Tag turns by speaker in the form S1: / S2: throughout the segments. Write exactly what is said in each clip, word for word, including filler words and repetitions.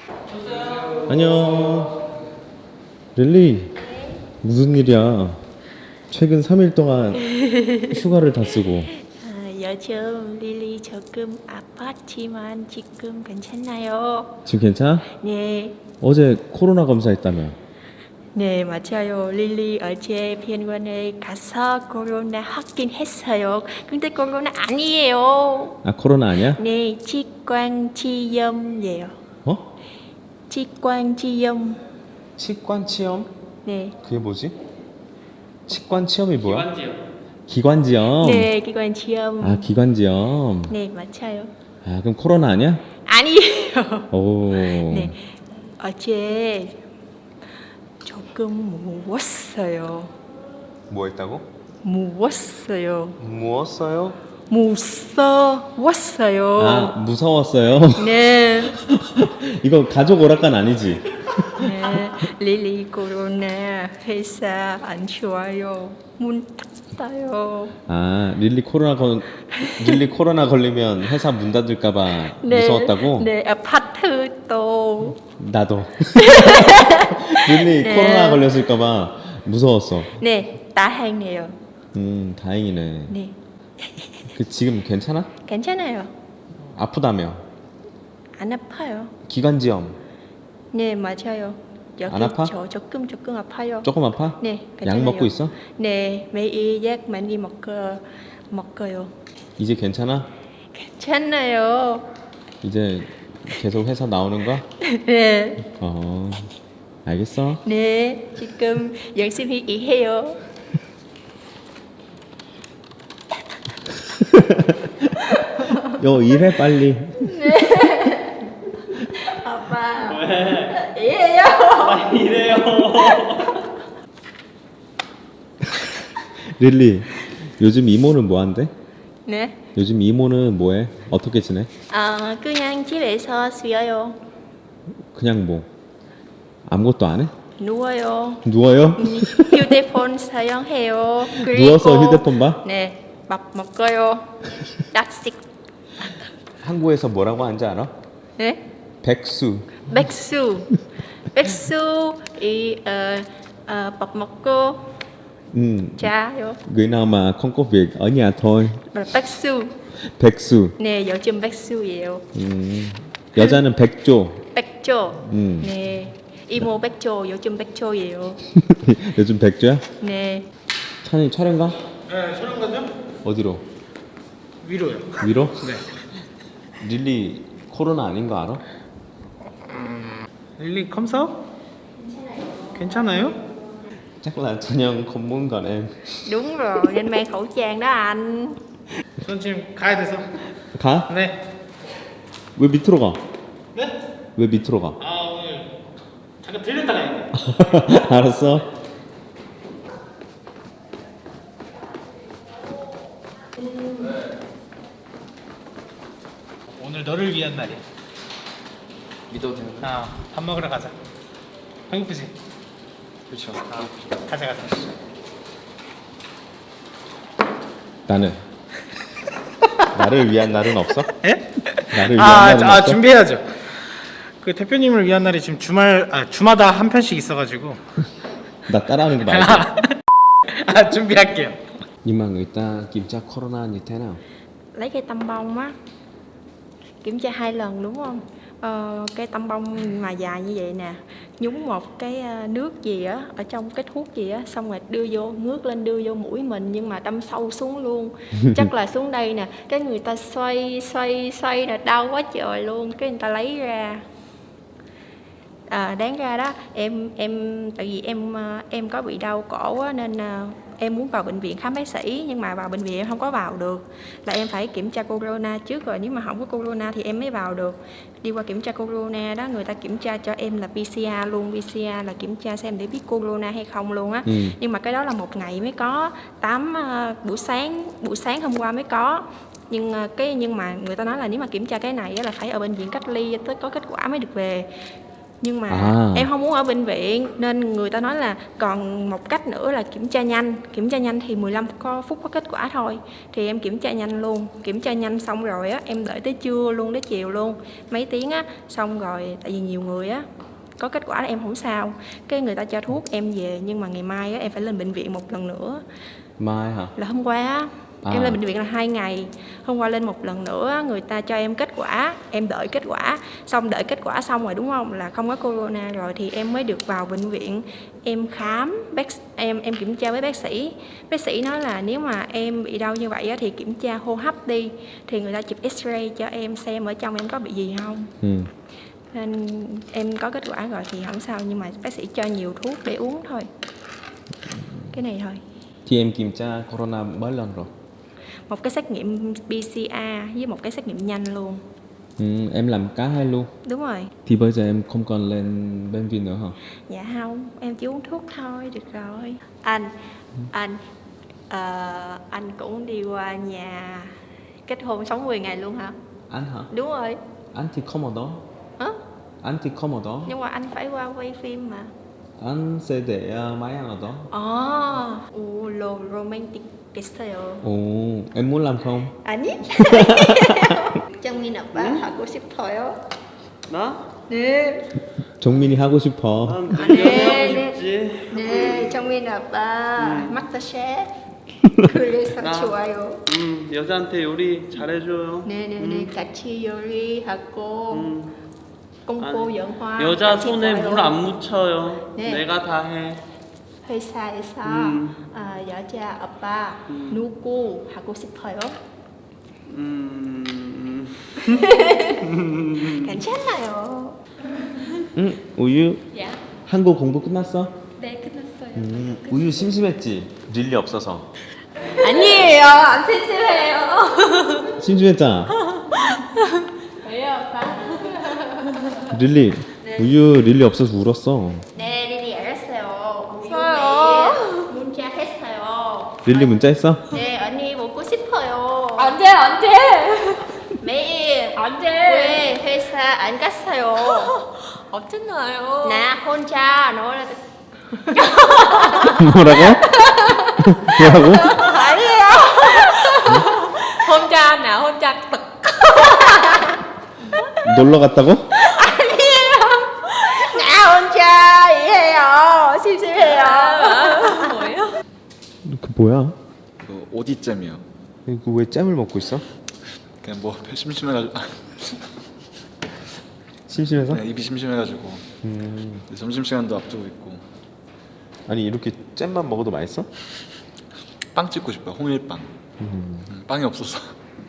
S1: 안녕. 릴리, 무슨 일이야? 최근 삼 일 동안 휴가를 다 쓰고.
S2: 아, 요즘 릴리 조금 아팠지만 지금 괜찮아요.
S1: 지금 괜찮아?
S2: 네,
S1: 어제 코로나 검사했다며.
S2: 네 맞아요. 릴리 어제 병원에 가서 코로나 확진했어요. 근데 코로나 아니에요.
S1: 아, 코로나 아니야?
S2: 네, 직관지염이에요.
S1: 어?
S2: 직관지염.
S1: 치관 치염?
S2: 네,
S1: 그게 뭐지? 치관 치염이 뭐야?
S3: 기관지요.
S1: 기관지염.
S2: 네 기관지염.
S1: 아, 기관지염.
S2: 네 맞아요.
S1: 아, 그럼 코로나 아니야?
S2: 아니에요.
S1: 오.
S2: 네, 어제 조금 무웠어요.
S1: 뭐 했다고?
S2: 무웠어요.
S1: 무었어요?
S2: 무서웠어요.
S1: 아, 무서웠어요.
S2: 네,
S1: 이거 가족 오락관 아니지?
S2: 네. 릴리 코로나 회사 안 좋아요. 문 닫아요.
S1: 아, 릴리 코로나 건 릴리 코로나 걸리면 회사 문 닫을까봐 무서웠다고?
S2: 네, 아파트도.
S1: 나도. 릴리
S2: 네.
S1: 코로나 걸렸을까봐 무서웠어.
S2: 네, 다행이에요.
S1: 음, 다행이네.
S2: 네,
S1: 그 지금 괜찮아?
S2: 괜찮아요.
S1: 아프다며?
S2: 안 아파요.
S1: 기관지염
S2: 네, 맞아요. 여기
S1: 안 아파?
S2: 저 조금 조금 아파요.
S1: 조금 아파?
S2: 네,
S1: 약
S2: 괜찮아요.
S1: 먹고 있어?
S2: 네, 매일 약 많이 먹어 먹어요.
S1: 이제 괜찮아?
S2: 괜찮아요.
S1: 이제 계속 회사 나오는 거야?
S2: 네,
S1: 어, 알겠어.
S2: 네, 지금 열심히 일해요.
S1: 요 일해 빨리.
S2: 아빠,
S3: 왜?
S2: 일해요.
S3: 왜 이래요?
S1: 릴리, 요즘 이모는 뭐 한대?
S2: 네,
S1: 요즘 이모는 뭐해? 어떻게 지내?
S2: 아 그냥 집에서 쉬어요.
S1: 그냥 뭐 아무것도 안 해?
S2: 누워요.
S1: 누워요?
S2: 음, 휴대폰 사용해요. 그리고
S1: 누워서 휴대폰 봐?
S2: 네, 밥 먹어요. 딱식.
S1: 한국에서 뭐라고 하는지 알아?
S2: 네,
S1: 백수.
S2: 백수. 백수 이 ờ, ờ, bọc 먹고
S1: Ừ,
S2: 자요.
S1: người nào mà không có việc ở nhà thôi.
S2: 뭐 백수.
S1: 백수.
S2: 네, 요즘 백수예요.
S1: 음, 여자는 백조.
S2: 백조.
S1: 음.
S2: 네, 이모 백조. 요즘 백조예요.
S1: 요즘 백조야?
S2: 네,
S1: 찬이 촬영 가?
S3: 네, 촬영 가죠?
S1: 어디로?
S3: 위로요.
S1: 위로?
S3: 네.
S1: 릴리 코로나 아닌 거 알아?
S3: 릴리 컴사업? 괜찮아요?
S1: chắc là cho nhân không muốn gần em.
S2: đúng rồi, nên mang khẩu trang đó anh.
S3: 전 지금 가야 돼서.
S1: 가?
S3: 네.
S1: 왜 밑으로 가?
S3: 네?
S1: 왜 밑으로 가?
S3: 아 오늘 잠깐 들렸다 가야 돼.
S1: 알았어.
S3: 오늘 너를 위한 날이야.
S4: 믿어도 되는 거야?
S3: 아, 밥 먹으러 가자. 배고프지?
S4: 그렇죠.
S3: 아, 가자 가자.
S1: 나는 나를 위한 날은 없어?
S3: 예?
S1: 나를 위한
S3: 아,
S1: 날은
S3: 아
S1: 없어?
S3: 준비해야죠. 그 대표님을 위한 날이 지금 주말 아 주마다 한 편씩 있어가지고.
S1: 나 따라하는 거 말고.
S3: 아 준비할게요.
S1: Nhưng mà người ta kiểm tra corona như thế nào?
S2: Lấy cái tăm bông á, kiểm tra hai lần đúng không? Ờ, cái tăm bông mà dài như vậy nè, nhúng một cái ờ, nước gì á ở trong cái thuốc gì á, xong rồi đưa vô, ngước lên đưa vô mũi mình, nhưng mà đâm sâu xuống luôn. Chắc là xuống đây nè, cái người ta xoay xoay xoay là đau quá trời luôn, cái người ta lấy ra. À, đáng ra đó em em tại vì em ờ, em có bị đau cổ á, nên ờ, em muốn vào bệnh viện khám bác sĩ, nhưng mà vào bệnh viện em không có vào được, là em phải kiểm tra corona trước, rồi nếu mà không có corona thì em mới vào được. Đi qua kiểm tra corona đó, người ta kiểm tra cho em là pê xê rờ luôn. pê xê rờ là kiểm tra xem để biết corona hay không luôn á.
S1: Ừ.
S2: Nhưng mà cái đó là một ngày mới có, tám uh, buổi sáng buổi sáng hôm qua mới có. Nhưng uh, cái nhưng mà người ta nói là nếu mà kiểm tra cái này á, là phải ở bệnh viện cách ly tới có kết quả mới được về. Nhưng mà
S1: À.
S2: em không muốn ở bệnh viện nên người ta nói là còn một cách nữa là kiểm tra nhanh. Kiểm tra nhanh thì mười lăm có- phút có kết quả thôi. Thì em kiểm tra nhanh luôn. Kiểm tra nhanh xong rồi á, em đợi tới trưa luôn, tới chiều luôn, mấy tiếng á. Xong rồi tại vì nhiều người á có kết quả là em không sao, cái người ta cho thuốc em về, nhưng mà ngày mai á, em phải lên bệnh viện một lần nữa.
S1: Mai hả?
S2: Là hôm qua á,
S1: À.
S2: em lên bệnh viện là hai ngày, hôm qua lên một lần nữa, người ta cho em kết quả, em đợi kết quả, xong đợi kết quả xong rồi đúng không, là không có corona rồi thì em mới được vào bệnh viện. Em khám, bác em em kiểm tra với bác sĩ, bác sĩ nói là nếu mà em bị đau như vậy á, thì kiểm tra hô hấp đi, thì người ta chụp x-ray cho em xem ở trong em có bị gì không.
S1: Ừ.
S2: Nên em có kết quả rồi thì không sao, nhưng mà bác sĩ cho nhiều thuốc để uống thôi, cái này thôi.
S1: Thì em kiểm tra corona mấy lần rồi?
S2: Một cái xét nghiệm pê xê rờ với một cái xét nghiệm nhanh luôn.
S1: Ừ, em làm cả hai luôn.
S2: Đúng rồi.
S1: Thì bây giờ em không còn lên bệnh viện nữa hả?
S2: Dạ không, em chỉ uống thuốc thôi, được rồi. Anh, anh, ờ, anh cũng đi qua nhà kết hôn sống mười ngày luôn hả?
S1: Anh hả?
S2: Đúng rồi.
S1: Anh thì không ở đó.
S2: Hả?
S1: Anh thì không ở đó.
S2: Nhưng mà anh phải qua quay phim mà.
S1: Anh sẽ để uh, máy anh ở đó.
S2: Ồ, 오, 로, 로맨틱 됐어요.
S1: Ồ, em muốn làm không?
S2: 아니? 정민 아빠 하고 싶어요.
S5: 나?
S2: 네.
S1: 정민이 하고 싶어.
S5: 난
S2: 네,
S5: 당연히 하고
S2: 네.
S5: 싶지.
S2: 네, 정민 아빠 마스터 셰프. 그래서
S5: 나.
S2: 좋아요.
S5: 음, 여자한테 요리 잘해줘요.
S2: 네, 네, 네. 같이 요리하고
S5: 음,
S2: 공포
S5: 아니,
S2: 영화
S5: 여자
S2: 같이
S5: 손에
S2: 봐요.
S5: 물 안 묻혀요.
S2: 네.
S5: 내가 다 해.
S2: 회사에서
S5: 음.
S2: 아, 여자 아빠
S5: 음.
S2: 누구 하고 싶어요?
S5: 음,
S2: 괜찮아요.
S1: 응, 우유.
S2: 야.
S1: 한국 공부 끝났어?
S2: 네, 끝났어요.
S1: 음, 우유 심심했지? 릴리 없어서.
S2: 아니에요. 안 튼튼해요.
S1: 심심했잖아.
S2: 왜요, 아빠?
S1: 릴리, 우유 릴리 없어서 울었어.
S2: 네, 리리 알았어요. 없어요. 문자 했어요.
S1: 릴리 문자 했어?
S2: 네, 언니 먹고 싶어요.
S6: 언제 언제
S2: 매일.
S6: 언제
S2: 왜 회사 안 갔어요?
S6: 없잖아요.
S2: 나 혼자 놀아.
S1: 뭐라고? 뭐라고?
S2: 아니에요.
S6: 혼자 나 혼자 떡.
S1: 놀러 갔다고?
S2: 나 혼자 이해요. 심심해요.
S6: 뭐예요?
S1: 그 뭐야?
S7: 그 오디잼이요.
S1: 이거 왜 잼을 먹고 있어?
S7: 그냥 뭐 심심해가지고
S1: 심심해서?
S7: 그냥 입이 심심해가지고
S1: 음,
S7: 점심 시간도 앞두고 있고
S1: 아니 이렇게 잼만 먹어도 맛있어?
S7: 빵 찍고 싶어요. 홍일빵.
S1: 음,
S7: 음, 빵이 없어서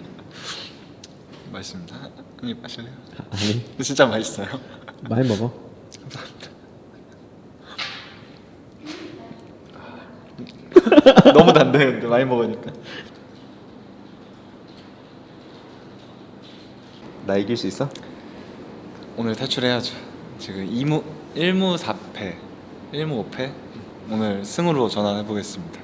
S7: 맛있습니다. 형님 마실래요?
S1: 아니
S7: 근데 진짜 맛있어요.
S1: 많이 먹어.
S7: 너무 단데 근데 많이 먹으니까.
S1: 나 이길 수 있어?
S7: 오늘 탈출해야죠. 지금 이무 일무 사패, 일무 오패. 오늘 승으로 전환해 보겠습니다.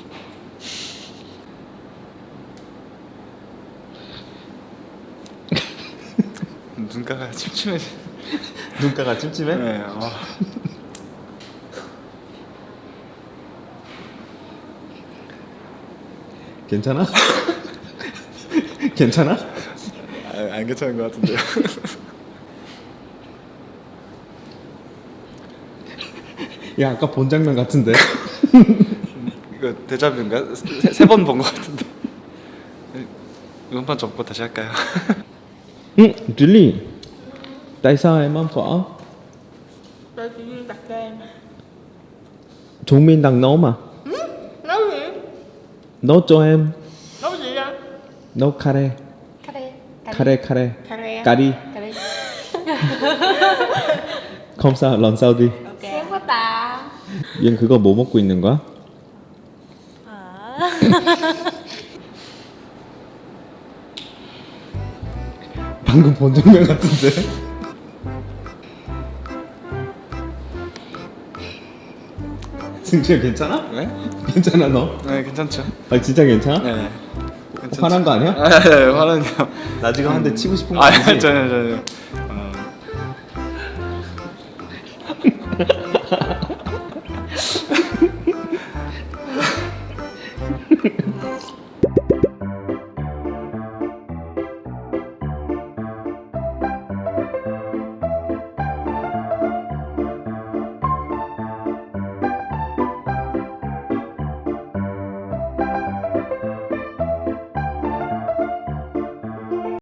S7: 눈가가 침침해지.
S1: 눈가가 찜찜해?
S7: 네. 아.
S1: 괜찮아? 괜찮아?
S7: 아, 안 괜찮은 것 같은데요.
S1: 야 아까 본 장면 같은데.
S7: 이거 데자뷰인가? 세 번 본 것 같은데. 이번 판 접고 다시 할까요?
S1: Ừ, Rilly, tại sao em ăn phở?
S2: Tôi chỉ đặt cho em.
S1: 종민 đang nấu mà.
S2: Nấu gì?
S1: Nấu cho em.
S2: Nấu gì ra?
S1: Nấu 카레.
S2: 카레.
S1: 카레 카레.
S2: 카레.
S1: Cà ri.
S2: 카레.
S1: Không sao, lần sau đi.
S6: Sướng quá ta.
S1: 얘는 그거 뭐 먹고 있는 거야? 방금 본 장면 같은데. 승재 괜찮아?
S7: 네?
S1: 괜찮아 너?
S7: 네, 괜찮죠.
S1: 아 진짜 괜찮아?
S7: 네. 괜찮죠.
S1: 화난 거 아니야?
S7: 아, 네, 화나는 거.
S1: 나 지금 한 대 치고 싶은 거
S7: 아,
S1: 아니지?
S7: 전혀 전혀. 어,